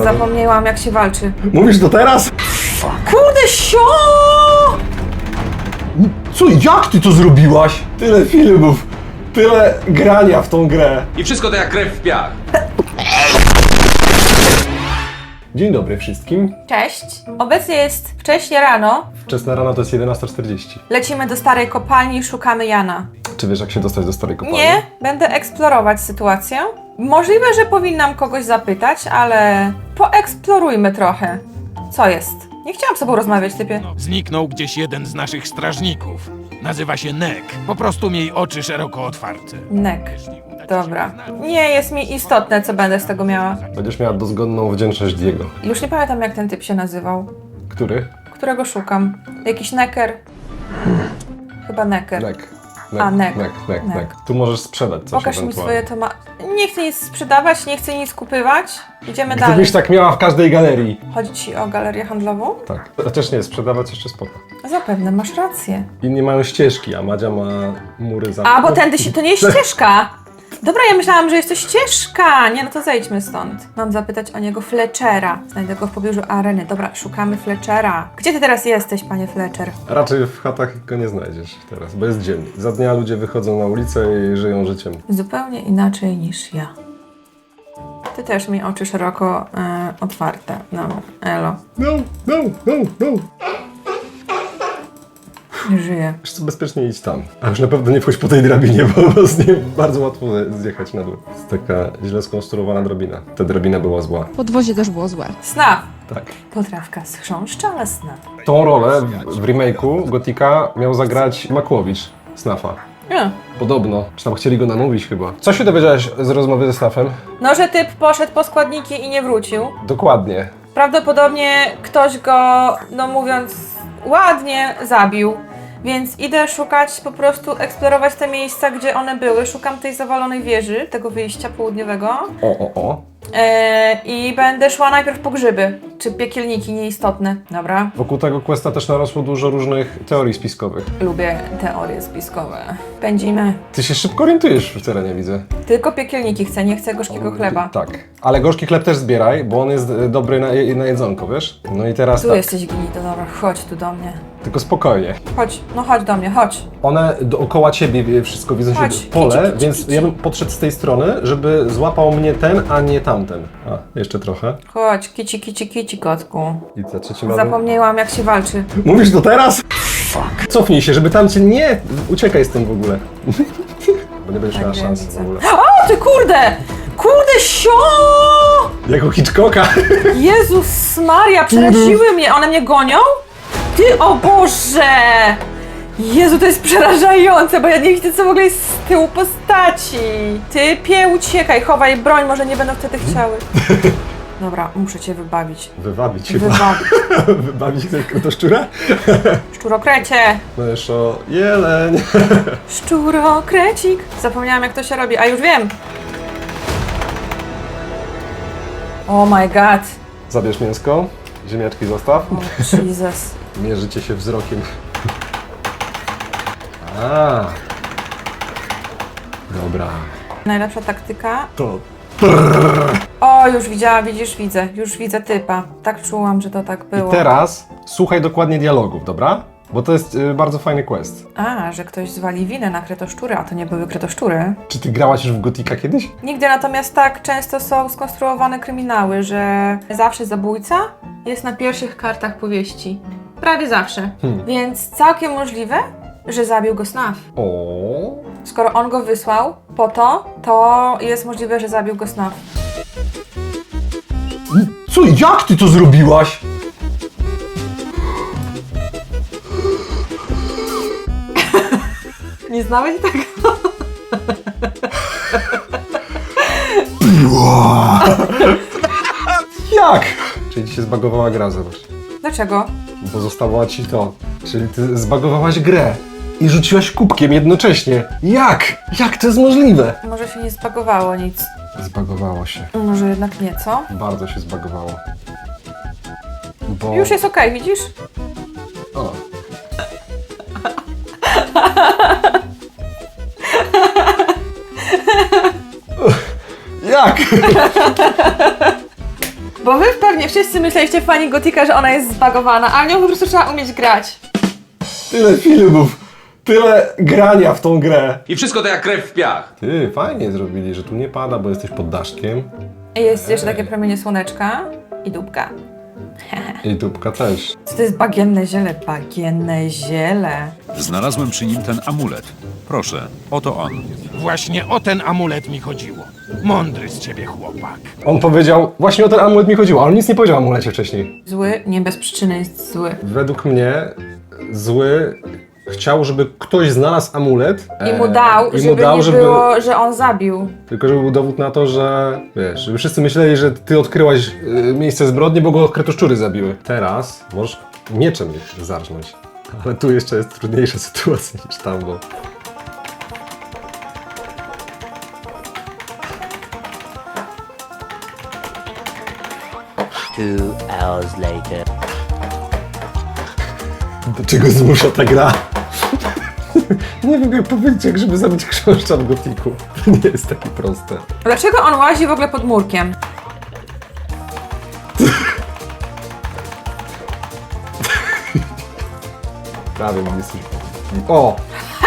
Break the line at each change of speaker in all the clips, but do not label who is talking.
Zapomniałam, jak się walczy.
Mówisz to teraz?
Kurde, sio!
Co, jak ty to zrobiłaś? Tyle filmów, tyle grania w tą grę.
I wszystko to jak krew w piach.
Dzień dobry wszystkim.
Cześć. Obecnie jest wcześnie rano.
Wczesna rano to jest 11:40.
Lecimy do starej kopalni i szukamy Jana.
Czy wiesz, jak się dostać do starej kopalni?
Nie, będę eksplorować sytuację. Możliwe, że powinnam kogoś zapytać, ale poeksplorujmy trochę. Co jest? Nie chciałam z tobą rozmawiać, typie.
Zniknął gdzieś jeden z naszych strażników. Nazywa się Nek. Po prostu miej oczy szeroko otwarte.
Nek. Dobra. Nie jest mi istotne, co będę z tego miała.
Będziesz miała dozgonną wdzięczność Diego.
Już nie pamiętam, jak ten typ się nazywał.
Który?
Którego szukam? Jakiś Necker? Chyba Necker.
Nek.
A, Nek.
Nek. Tu możesz sprzedać coś
Pokaż mi
ewentualnie.
swoje Nie chcę nic sprzedawać, nie chcę nic kupywać. Idziemy dalej.
Gdybyś tak miała w każdej galerii.
Chodzi ci o galerię handlową?
Tak. Chociaż nie, sprzedawać jeszcze spoko.
Zapewne, masz rację.
Inni mają ścieżki, a Madzia ma mury za...
A, bo tędy się... To nie jest ścieżka! Dobra, ja myślałam, że jest to ścieżka! Nie, no to zejdźmy stąd. Mam zapytać o niego Fletchera. Znajdę go w pobliżu areny. Dobra, szukamy Fletchera. Gdzie ty teraz jesteś, panie Fletcher?
Raczej w chatach go nie znajdziesz teraz, bo jest dzień. Za dnia ludzie wychodzą na ulicę i żyją życiem.
Zupełnie inaczej niż ja. Ty też mi oczy szeroko otwarte. No, elo.
No.
Nie żyję.
Wiesz co, bezpiecznie idź tam. A już na pewno nie wchodź po tej drabinie, bo z niej bardzo łatwo zjechać na dół. Jest taka źle skonstruowana drabina. Ta drabina była zła.
Podwozie też było złe.
Snaf.
Tak.
Potrawka z chrząszcza, ale snaf.
Tą rolę w remake'u Gotika miał zagrać Makłowicz, Snafa.
Nie.
Podobno. Czy tam chcieli go namówić chyba. Co się dowiedziałeś z rozmowy ze Snafem?
No, że typ poszedł po składniki i nie wrócił.
Dokładnie.
Prawdopodobnie ktoś go, no mówiąc ładnie, zabił. Więc idę szukać, po prostu eksplorować te miejsca, gdzie one były. Szukam tej zawalonej wieży, tego wyjścia południowego.
O.
I będę szła najpierw po grzyby. Czy piekielniki nieistotne. Dobra.
Wokół tego questa też narosło dużo różnych teorii spiskowych.
Lubię teorie spiskowe. Pędzimy.
Ty się szybko orientujesz w terenie, widzę.
Tylko piekielniki chcę, nie chcę gorzkiego chleba.
Tak. Ale gorzki chleb też zbieraj, bo on jest dobry na jedzonko, wiesz? No i teraz
Tu
tak.
jesteś gnito, dobra, chodź tu do mnie.
Tylko spokojnie.
Chodź, no chodź do mnie, chodź.
One dookoła ciebie wszystko widzą
Chodź,
się pole,
kici,
więc
kici.
ja bym podszedł z tej strony, żeby złapał mnie ten, a nie tamten. A, jeszcze trochę.
Chodź, kici, kotku.
I za trzecim razem...
Zapomniałam, jak się walczy.
Mówisz to teraz? Fuck. Cofnij się, żeby tam cię nie... Uciekaj z tym w ogóle. Bo nie będziesz miała
Tak,
szans
widzę.
w ogóle.
O, ty kurde! Kurde, sio!
Jako Hitchcocka.
Jezus Maria, przeraziły mnie. One mnie gonią? Ty, o Boże! Jezu, to jest przerażające, bo ja nie widzę, co w ogóle jest z tyłu postaci. Typie, uciekaj, chowaj broń, może nie będą wtedy chciały. Dobra, muszę cię wybawić.
Wywabić się.
Wybawić.
Wybawić to szczura?
Szczurokrecie!
No jeszcze o jeleń.
Szczurokrecik. Zapomniałam, jak to się robi, a już wiem. Oh my god.
Zabierz mięsko. Ziemniaczki zostaw.
O, Jesus.
Mierzycie się wzrokiem. A. Dobra.
Najlepsza taktyka.
To.
O, już widziałam, widzę. Już widzę typa. Tak czułam, że to tak było.
I teraz słuchaj dokładnie dialogów, dobra? Bo to jest bardzo fajny quest.
A, że ktoś zwali winę na kretoszczury, a to nie były kretoszczury.
Czy ty grałaś już w Gotika kiedyś?
Nigdy, natomiast tak często są skonstruowane kryminały, że zawsze zabójca jest na pierwszych kartach powieści. Prawie zawsze. Więc całkiem możliwe, że zabił go Snaf.
O.
Skoro on go wysłał po to jest możliwe, że zabił go Snaf.
Co? Jak ty to zrobiłaś?
Nie znałeś tego?
Jak? Czyli ci się zbagowała gra, zobacz.
Dlaczego?
Bo zostało ci to. Czyli ty zbagowałaś grę i rzuciłaś kubkiem jednocześnie. Jak? Jak to jest możliwe?
Może się nie zbagowało nic.
Zbagowało się.
Może jednak nie, co?
Bardzo się zbagowało. Bo...
Już jest okej, widzisz?
O. Jak?
Bo wy pewnie wszyscy myśleliście, fani Gotika, że ona jest zbagowana, a nią po prostu trzeba umieć grać.
Tyle filmów, tyle grania w tą grę.
I wszystko to jak krew w piach.
Ty, fajnie zrobili, że tu nie pada, bo jesteś pod daszkiem.
Jest jeszcze takie promienie słoneczka i dupka.
I tubka też.
Co to jest bagienne ziele? Bagienne ziele.
Znalazłem przy nim ten amulet. Proszę, oto on.
Właśnie o ten amulet mi chodziło. Mądry z ciebie chłopak.
On powiedział, właśnie o ten amulet mi chodziło, ale on nic nie powiedział o amulecie wcześniej.
Zły nie bez przyczyny jest zły.
Według mnie zły chciał, żeby ktoś znalazł amulet.
I mu dał, żeby nie było, że on zabił.
Tylko żeby był dowód na to, że wiesz, żeby wszyscy myśleli, że ty odkryłaś miejsce zbrodni, bo go kretoszczury zabiły. Teraz możesz mieczem ich zarżnąć. Ale tu jeszcze jest trudniejsza sytuacja niż tam, bo...
Two hours later.
Do czego zmusza ta gra? Nie wiem jak powiedzieć, jak żeby zabić chrząszcza w gotiku. To nie jest takie proste.
Dlaczego on łazi w ogóle pod murkiem?
Prawie mam jesteś... O!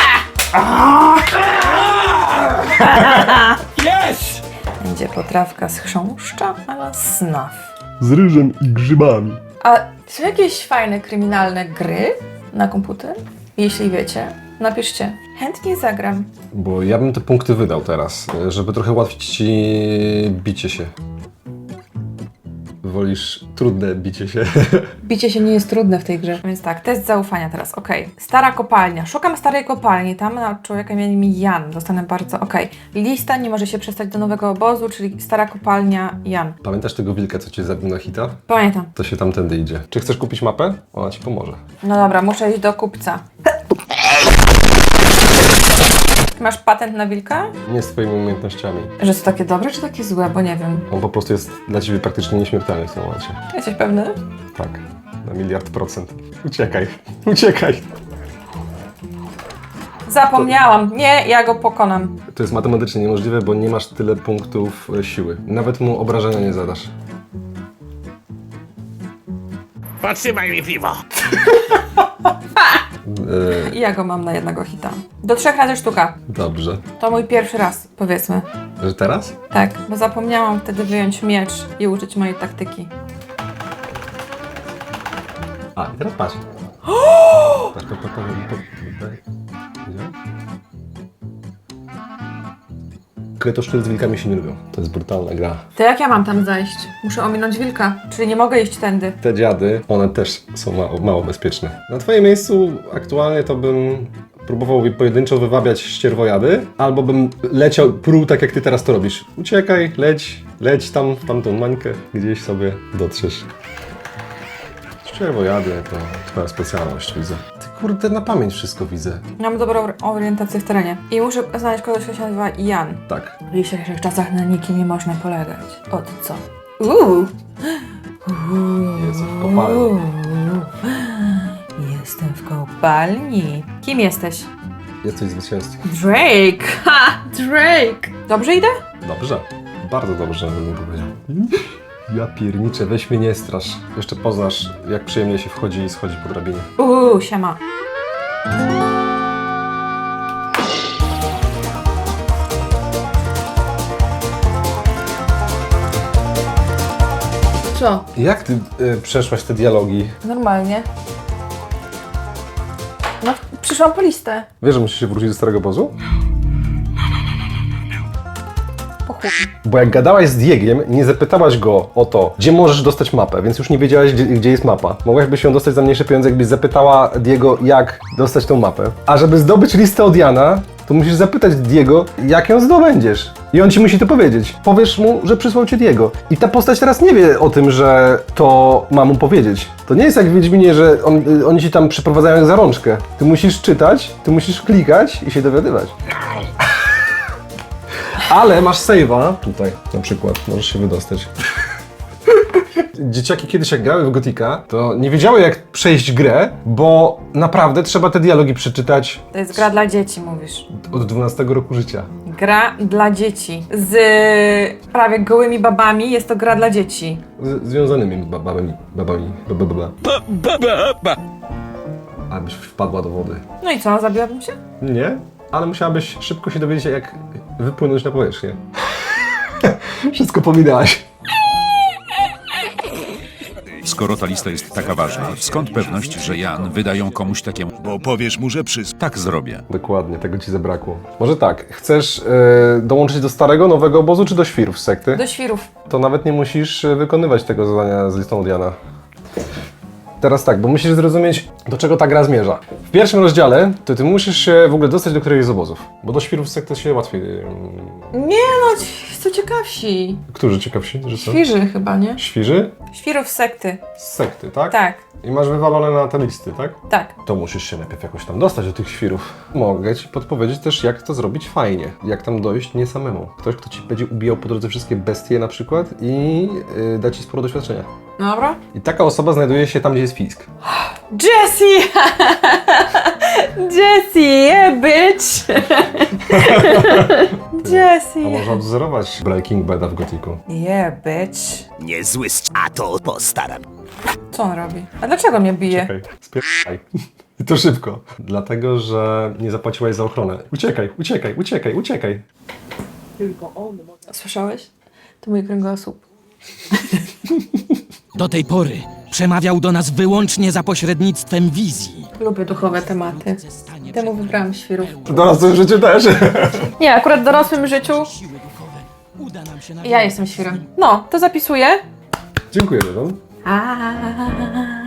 Jest!
Będzie potrawka z chrząszcza ala snaf.
Z ryżem i grzybami.
A są jakieś fajne, kryminalne gry na komputer? Jeśli wiecie, napiszcie. Chętnie zagram.
Bo ja bym te punkty wydał teraz, żeby trochę ułatwić ci bicie się. Wolisz trudne bicie się.
Bicie się nie jest trudne w tej grze. Więc tak, test zaufania teraz, okej. Stara kopalnia. Szukam starej kopalni. Tam na człowieka imieniem Jan. Dostanę bardzo, Lista nie może się przestać do nowego obozu, czyli stara kopalnia Jan.
Pamiętasz tego wilka, co cię zabił na hita?
Pamiętam.
To się tamtędy idzie. Czy chcesz kupić mapę? Ona ci pomoże.
No dobra, muszę iść do kupca. Masz patent na wilka?
Nie z twoimi umiejętnościami.
Że to takie dobre, czy takie złe? Bo nie wiem.
On po prostu jest dla ciebie praktycznie nieśmiertelny w tym momencie.
Jesteś pewny?
Tak. Na 1,000,000%. Uciekaj. Uciekaj.
Zapomniałam. Nie, ja go pokonam.
To jest matematycznie niemożliwe, bo nie masz tyle punktów siły. Nawet mu obrażenia nie zadasz.
Podtrzymaj mi piwo.
Ja go mam na jednego hita. Do 3 razy sztuka.
Dobrze.
To mój pierwszy raz, powiedzmy.
Że teraz?
Tak, bo zapomniałam wtedy wyjąć miecz i użyć mojej taktyki.
A, i teraz patrz. Patrz, Kretoszczury z wilkami się nie lubią. To jest brutalna gra.
To jak ja mam tam zajść? Muszę ominąć wilka, czyli nie mogę iść tędy.
Te dziady, one też są mało bezpieczne. Na twoim miejscu aktualnie to bym próbował pojedynczo wywabiać ścierwojady, albo bym leciał, pruł tak jak ty teraz to robisz. Uciekaj, leć tam w tamtą mańkę, gdzieś sobie dotrzesz. Ścierwojady to twoja specjalność, widzę. Ty kurde, na pamięć wszystko widzę.
Mam dobrą orientację w terenie. I muszę znaleźć kogoś, kto się nazywa Jan.
Tak.
W dzisiejszych czasach na nikim nie można polegać. Od co?
Jest w kopalni.
Jestem w kopalni. Kim jesteś?
Jesteś zwycięzcą.
Drake! Ha! Drake! Dobrze idę?
Dobrze. Bardzo dobrze, bym powiedział. Ja pierniczę, weź mnie nie strasz. Jeszcze poznasz, jak przyjemnie się wchodzi i schodzi po drabinie.
Siema. Co?
Jak ty przeszłaś te dialogi?
Normalnie. No, przyszłam po listę.
Wiesz, że musisz się wrócić do starego obozu?
Po chuj.
Bo jak gadałaś z Diegiem, nie zapytałaś go o to, gdzie możesz dostać mapę, więc już nie wiedziałaś, gdzie jest mapa. Mogłabyś ją dostać za mniejsze pieniądze, jakbyś zapytała Diego, jak dostać tą mapę. A żeby zdobyć listę od Jana, to musisz zapytać Diego, jak ją zdobędziesz. I on ci musi to powiedzieć. Powiesz mu, że przysłał cię Diego. I ta postać teraz nie wie o tym, że to ma mu powiedzieć. To nie jest jak w Wiedźminie, że oni ci tam przyprowadzają za rączkę. Ty musisz czytać, ty musisz klikać i się dowiadywać. Ale masz save'a tutaj na przykład, możesz się wydostać. Dzieciaki kiedyś jak grały w Gotika, to nie wiedziały jak przejść grę, bo naprawdę trzeba te dialogi przeczytać
To jest gra dla dzieci, mówisz.
od 12 roku życia.
Gra dla dzieci. Z prawie gołymi babami jest to gra dla dzieci.
Związanymi babami. Abyś wpadła do wody.
No i co, zabiłabym się?
Nie, ale musiałabyś szybko się dowiedzieć, jak wypłynąć na powierzchnię. Wszystko pominęłaś.
Skoro ta lista jest taka ważna, skąd pewność, że Jan wyda ją komuś takiemu?
Bo powiesz mu, że
Tak zrobię.
Dokładnie, tego ci zabrakło. Może tak, chcesz dołączyć do starego, nowego obozu, czy do świrów z sekty?
Do świrów.
To nawet nie musisz wykonywać tego zadania z listą od Jana. Teraz tak, bo musisz zrozumieć, do czego ta gra zmierza. W pierwszym rozdziale to ty musisz się w ogóle dostać do któregoś z obozów, bo do świrów z sekty się łatwiej...
Nie no, są ciekawsi.
Którzy ciekawsi, że są?
Świrzy chyba, nie?
Świrzy?
Świrów sekty.
Z sekty, tak?
Tak,
I masz wywalone na te listy, tak?
tak.
To musisz się najpierw jakoś tam dostać do tych świrów. Mogę ci podpowiedzieć też, jak to zrobić fajnie. Jak tam dojść nie samemu. Ktoś, kto ci będzie ubijał po drodze wszystkie bestie na przykład i da ci sporo doświadczenia.
Dobra.
I taka osoba znajduje się tam, gdzie jest fisk.
Jessie! Jessie, yeah, bitch!
A
Jessie!
można odwzorować Breaking Bada w gotiku.
Yeah, bitch.
Niezły a to postaram.
Co on robi? A dlaczego mnie bije?
Czekaj, spierdaj. I to szybko. Dlatego, że nie zapłaciłaś za ochronę. Uciekaj, uciekaj, uciekaj, uciekaj.
Słyszałeś? To mój kręgosłup.
Do tej pory przemawiał do nas wyłącznie za pośrednictwem wizji.
Lubię duchowe tematy. Temu wybrałam świrów.
W dorosłym życiu też.
Nie, akurat w dorosłym życiu
Siły duchowe. Uda nam się
ja jestem świrem. No, to zapisuję.
Dziękuję, Dodon.
A